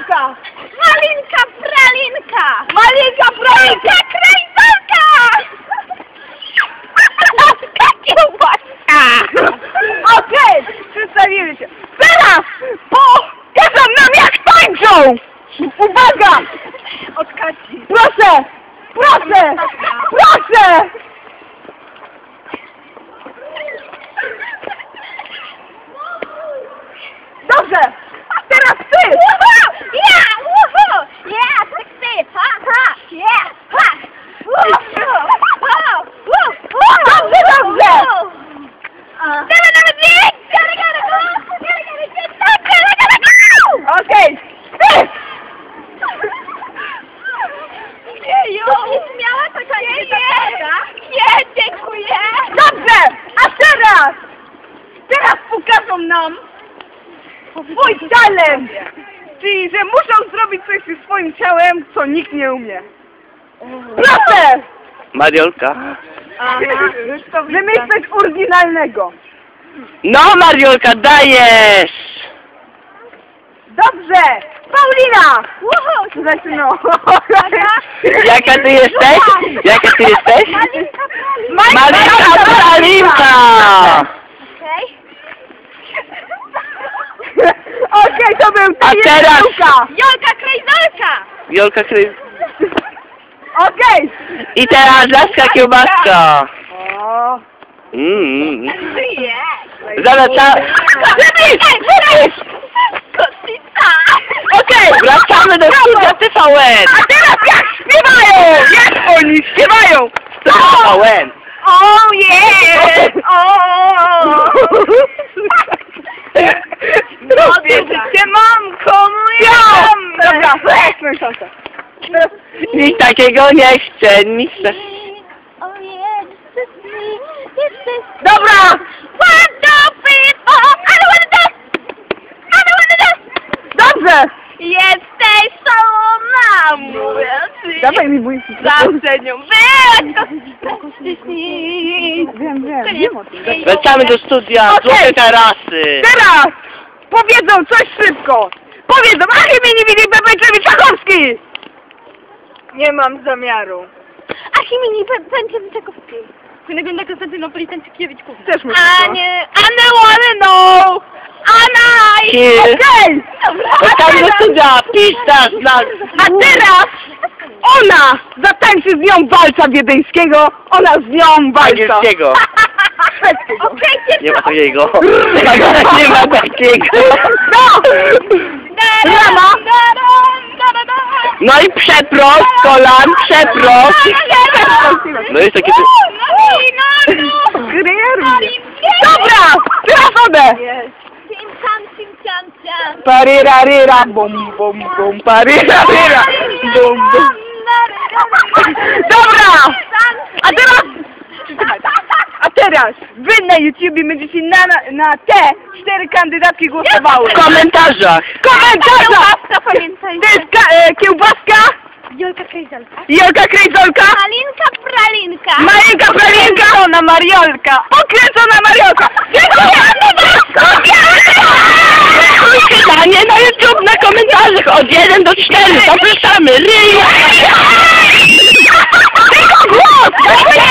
krejzolka! Malinka, pralinka! Malinka, pralinka! Krejzolka! Kiełbaska! Okej, przedstawimy się. Teraz pokażą nam jak tańczą! Uwaga! Od Kasi. Proszę! Proszę! Proszę! Dobrze! Teraz ty! Ja! Woohoo! Ja! Sexy! Ha! Ha! Yeah! Ha! Dobrze, dobrze! Okej! Ty! Miała taka nie, dziękuję. Dobrze! A teraz! Teraz pokażą nam swój talent! Czyli, że muszą zrobić coś ze swoim ciałem, co nikt nie umie. Proszę! Mariolka. Wymyśl coś oryginalnego. No Mariolka, dajesz! Dobrze! Paulina! Zaczyno. Jaka ty jesteś? Jaka ty jesteś? Malinka pralinka! Okej. Okej, to był A teraz- Jolka Krejzolka! Jolka Kryz. Okej! I teraz laska kiełbaska. O. Zawracamy. Kotwica! Okej, wracamy do studia TVN. A teraz jak śpiewają! Jak oni śpiewają! TVN. Oh yeah! Oh! Wiecie, mamko moja! Dobra, weźmy szansę. Nic takiego nie chcę, nic takiego. Oh yeah, this is me, this is... Dobra! 1, 2, 3, 4, I don't wanna dance! I don't wanna dance! Dobrze! Jesteś szalona, mówię ci. Dawaj mi mój Zawsze nią byłaś, Wiem o tym. Wracamy do studia, Okej. złote tarasy. Teraz powiedzą coś szybko! Powiedzą Achimini Wili Bebeczewicz Czachowski! Nie mam zamiaru. Achimini Pęczewicz-Czakowski. Synego Konstantynopolitan Ciekiewicz Kuchnia. Też muszę. Anne wanna know! Anna! Okej! Wracamy do studia, pista z nas. A teraz ona zatańczy z nią walca wiedeńskiego, ona z nią walca. Angielskiego. Szwedzkiego. Nie ma takiego. Nie ma takiego. No! Rama! No i przeprost, kolan, przeprost. No jest takie... Dobra! Teraz one! Parirarira, bum bum bum, parirarira, bum bum. Dobra! A teraz wy na YouTubie będziecie na te 4 kandydatki głosowały. W komentarzach. Komentarza! Pamiętaj. To jest kiełbaska, Jolka Krejzolka. Jolka Krejzolka, Malinka Pralinka. Malinka Pralinka, na Mariolka, pokręcona Mariolka. Pytanie na YouTube, na komentarzach od 1 do 4. Zapraszamy.